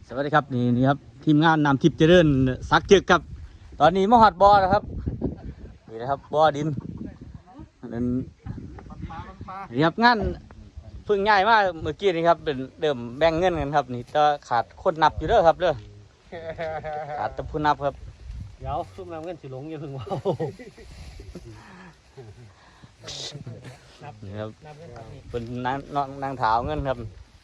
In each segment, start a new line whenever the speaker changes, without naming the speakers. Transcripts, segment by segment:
สวัสดีครับนี่ครับทีมงานนำทิพย์เจริญซักจึกครับตอนนี้มหอดบอนะครับนี่นะครับบอดินนี่ครับงานเพิ่งง่ายมากเมื่อกี้นี่ครับเป็นเดิมแบ่งเงินกันครับนี่จะขาดคนนับอยู่เด้อครับเด้อขาดแต่ผู้นับครับ
เดี๋ยวซุ่มนำเงินสิหลงอย่าเพิ่งว่า
นี่ครับเป็นนางถาวเงินครับ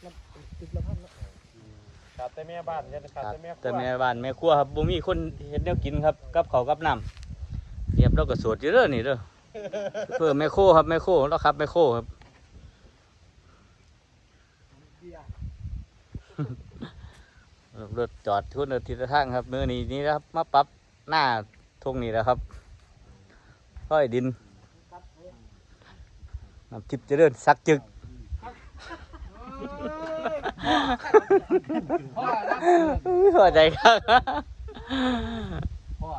ขาดแต่แม่บ้านเนี่ยขาด
แต่แม่บ้านแม่ครัวครับบ่มีคนเฮ็ดแนวกินครับกับข้าวกับน้ำเรียบเราก็สวดอยู่เด้อนี่เด้อเพื่อแม่โคครับแม่โคแล้วครับแม่โคครับรถจอดทุนทิศทางครับมือนี้นี่นะครับมาปรับหน้าทงนี่แล้วครับก้อยดินน้ำทิพย์เจริญซักจึกพอใจครับ
พ่อ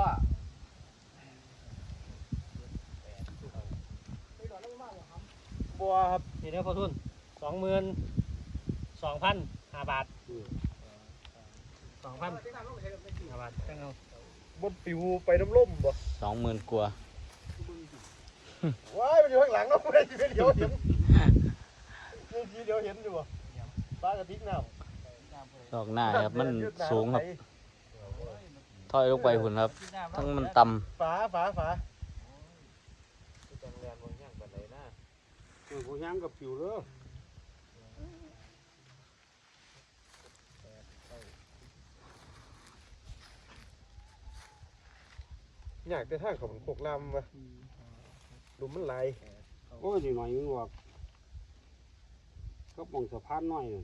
บัวครับนี่เด้อพ่อทุน22,500 บาท2,000 5 บาทจังเอา
บนปิวไปน้ำล่มบ่
20,000 กว่า
ว้ายมันอยู่ข้างหลังเนาะไม่ได้เดี๋ยวเห็นเดี๋ยวเห็นอยู่บ่ปลากระติกน้ำ
ดอกหน้าครับมันสูงครับถอยลงไปหุ่นครับทั้งมันต่
ฝา
ผู้ย่างกับผิวเด้อ
อยากได้ทางของมันโคกลำวะดูมันไหล
โอ้ยหน่อยนึงว่าก็มองสะพานหน่อยนึง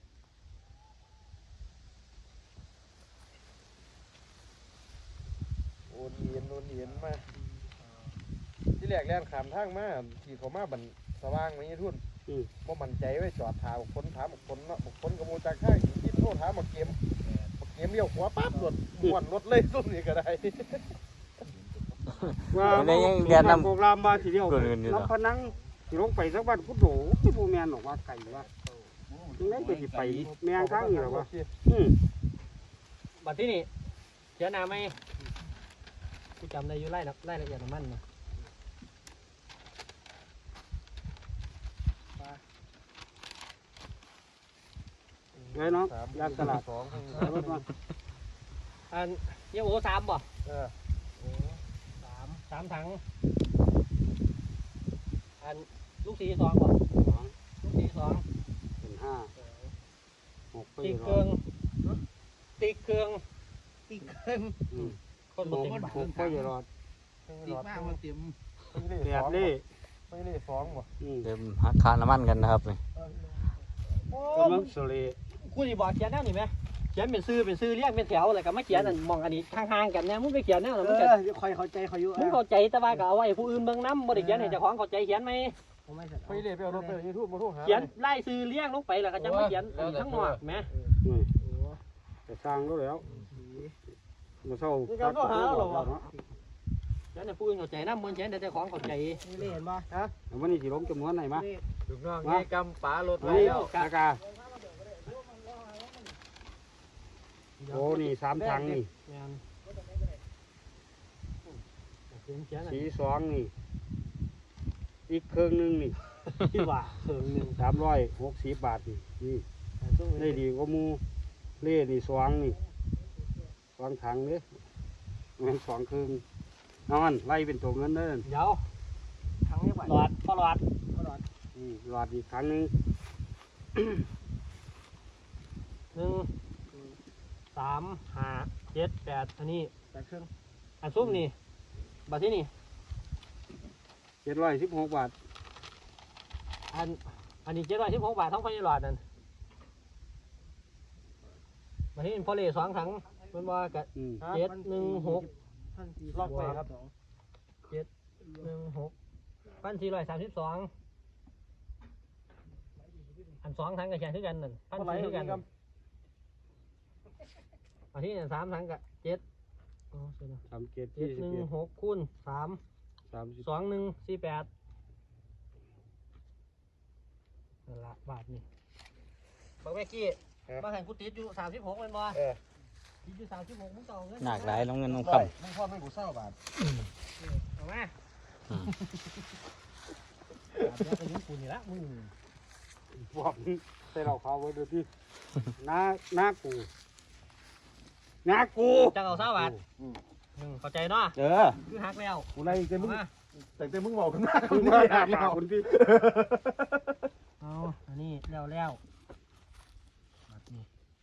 โอนเอียนมาที่แรกแล่นขามทางมาขี่เขามาบันสว่างไม่ยี่ทุ่นบ่มั่นใจไว้จอดถามคนเนาะคนกระมูจากข้างที่โทษถามมาเกมเลี้ยวขวาปั๊บรถม้วนรถเลยตุ้มนี่ก็ได้
ว่าเรียนนำโปรแกรมมาทีเดียวน้ำพนังลงไปสักวันพุทโธที่โบแมนบอกว่าไก่ว่ายังไงจะไปแมงข้างอยู่หรอวะบัดที่นี่เจ้านาไหมกูจำได้อยู่ไล่ละเอียดมันนะไงน้องยางตลาดอันเยี่ยวโอ้3บ่3 ถังอันลูก2บ่ลูก2เป็น5 6ตีเครื่องคนบอกว่า6ก็อย่ารอด
ตีมากมันเต็ม
แบบนี้
ไม่ได้2บ่
เต็มหักคาน้ำมันกันนะครับนี่
กำลังสลีกูจะบอกเขียนแนวนี่ไหมเขียนเป็นซื้อเรียกเป็นแถวอะไรกับไม่เขียนอันมองอันนี้ห่างๆกันเนี่ยมึงไปเขียนแนวนั้นมึงจะคอยเข้าใจเขาอยู่มึงเข้าใจแต่ว่าก็เอาไว้ผู้อื่นเบิ่งน้ำบ่ได้เขียนให้เจ้าของเข้าใจเขียนไหม
ไม่ได้ไปเอารถไปยูทูบมาทุกหา
เขียนไล่ซื้อเรียกลงไปแล้วก็จะมาเขียนทั้งหมดไหมจะสร้างแล้วมาเศร้าตัดก็หาหรอวะเขียนให้ผู้อื่นเข้าใจน้ำมันเขียนแต่เจ้าของเข้าใจนี่เห็นป่ะฮะวันนี้สิลงจำนวนไหนมา
ถูกน้องนี่กำป๋ารถไว้แล้ว
กาโอ้นี่3 ถังนี่สี2นี่อีกเครื่องนึงนี่ที่ว่าเครื่องนึง360 บาทนี่ได้ดีกว่ามูเล่นี่2นี่2 ถังเนี่ยมัน2 เครื่องนอนไล่เป็นตัวเงินเด้อเดี๋ยวถังนี้หลอดหลอดอีกถังนึง3 5 7 8อันนี้8 เครื่องอันซุ้มนี่บาทที่นี่716 บาทอันนี้716 บาททั้งพันหลอดนั่นบาทที่พอเล่2 ถังมันว่ากับ716ล็อกไปครับ716 1,432อัน2 ถังกับแขนคือกันนั่น1,400คือกันอันที่3 ถังกับ716คูณ3 2148นั่นละบาทนี่บอกแม่กี้
มาให้กูติดอยู่36เป็นบ่
เออ
ติดอยู่36มึงต่อเงิน
หนักหลายน้องเงินน้องค
มึงพ่อไม่กูเศร้าบาท
เอามา
ำอืม
เดี๋ยวไปยิงกูนี่ละมึง
บอกใส่เราเขาไว้ดูที่น้ากู
จังเอา20 บาทเข้าใจเนาะ คือหักแล้ว
กูไล่เต็มมึง
มา
แต่มึงบอกกันมาก
คุณมาถามเราคุณพี่
เอาอันนี้แล้วบัดนี้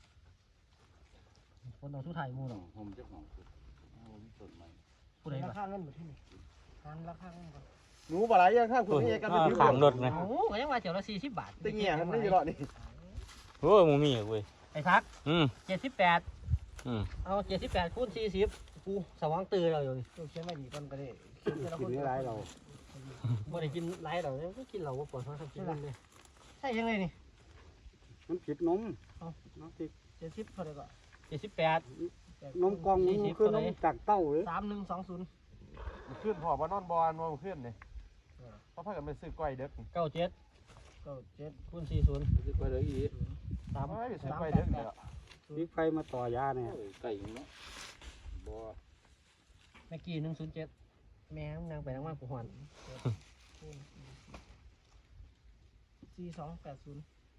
คนเอาทุไทยหมู่เนาะ
ผมเจ้าของผมต้นไม้
ผู้ใดราคาเงินบ่ที่นี่ราคาเงินก่อน
หนูบ่หลายอย่างข้างคุณนี่กัน
ขางรถนะ
โอ้ก็ยังว่าเจ้าละ40 บาท
ตึงเงี้ยมันไม่อยู่หรอกนี่
โอ้ยมูมี่เว้ย
ไอ้ทัก 78
อืม
เอา78คูณ40กูสว่างตื่นแล้วอยู่นี่เขียนไว้ดีก่อนก็ได้
กินไม่ร้ายเรา
บ่ได้กินหลายดอกเนี่ยก็กินเหล้าบ่ปวดท้องครับกินเลยใช่ยังไงนี่
มันผิดนม
70เท่าไหร่ก็78
นมกองมันคือนมจากเต้าเลย
3120
ขึ้นพอว่านอนบอลมาขึ้นเนี่ยเพราะพากันไปซื้อก้อยเด็ก
97คูณ40
จะไปเลยอี
ไปซื้อก้อยเด็กเนี่ย
มีไฟมาต่อยาเนี่ยไก่เนาะบ่
เมื่อกี้107แม่นางไปนางมากูหอน4280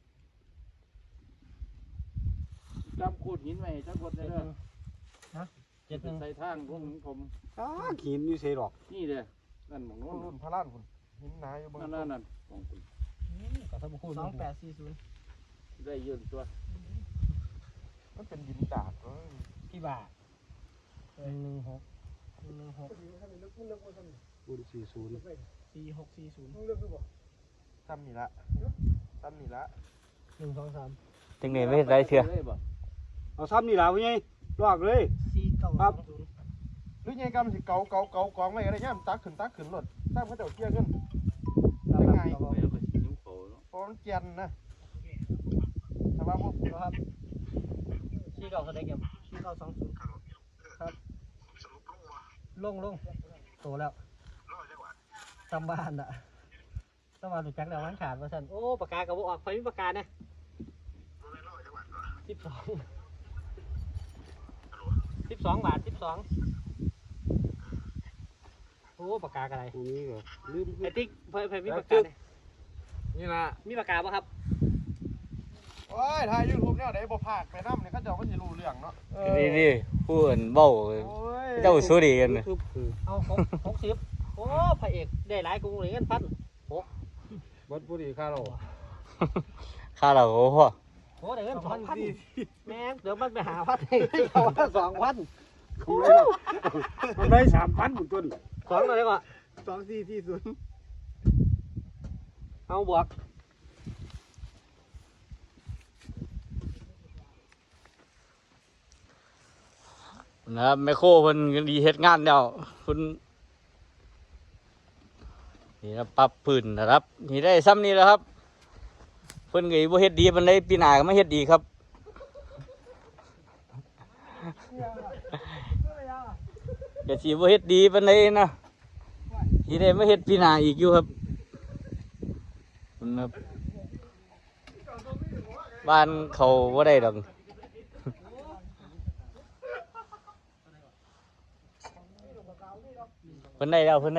จำขูดหินไว้จักคนได้เด้อ
71
ใส่ทางพวกผมหินนี่ใส่ดอกนี่เด้อนั่นหมองโน้
รุ่
น
นพระล้านคุณหินนาอยู่บน
นั่นของคุณ
ก็สมคูณ2840
ได้ยืนตัว
มันเป็นดินดาด
พี่บ่า116
คูณ40
4640
ซ้ำนี่ละ
123
จังนี้ไม่เห็นไรเถื่อ
เอาซ้ำนี่ล่ะพี่ใหญ่ลอกเลย
4920
หรือไงกำสิเกากองไว้อะไรเงี้ยตักขึ้นรถซ้ำเขาจะเกี่ยขึ้นยังไงเพราะมันเกียนนะแต่ว่าพวก
ครับ49เท่าไหร่ครับ4920ครับลงโตแล้วตำบ้านอ่ะตำบ้านรู้จักแล้วมันขาดว่าซั่นโอ้ปากกาก็บ่ออกไฟมีปากกานะ12 บาท โอ้ปากกากระไร
ตรงนี้ก็ลืม
ไอ้ติ๊กเพิ่นมีปากกาเนี่ย
นี่นะ
มีปากกาป่ะครับ
โอ้ยถ่ายยูทูบเนี่ยเดี๋ยวบ่พากไปน้ำเนี่ยเขาจะเขาจะรู้เรื่องเนาะ
นี่พูดเบ้าเจ้าสู้ดีกันนะ
เอา60โอ้พระเอกได้หลายกูเลยเงินพัน
วัดผู้ดีข้าเรา
ค่าเราโอ้โห
โอ้ได้เงิน2,000แม่งเดี๋ยวมันไปหาพันให้เขาว่า2,000
มันได้3,000บุญต้น
2เลยก่อน
2440
เอาบวก
นะครับแมคโครเพิ่นก็ดีเฮ็ดงานแล้วคุณนี่นะปรับพื้นนะครับนี่ได้ซ้ำนี่แล้วครับเพิ่นก็บ่เฮ็ดดีปานใดปีหน้าก็มาเฮ็ดดีครับก็สิบ่เฮ็ดดีปานใดนะสิได้มาเฮ็ดปีหน้าอีกอยู่ครับคุณครับบ้านเขาบ่ได้ดอกเพิ่นได้แล้วรถ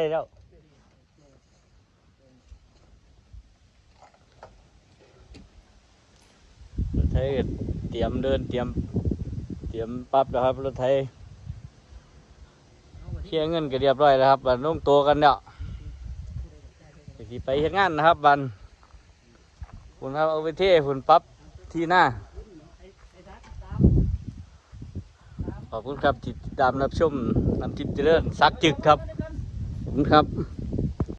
ไถก็เตรียมเดินเตรียมปรับแล้วครับรถไถเคลียร์เงินก็เรียบร้อยแล้วครับบัดลงตัวกันแล้วสิไปเฮ็ดงานนะครับบัดคุณครับเอาไปเทฝุ่นปรับที่หน้าขอบคุณครับที่ติดตามรับชมน้ำทิพย์เจริญซักจึกครับขอบคุณครับ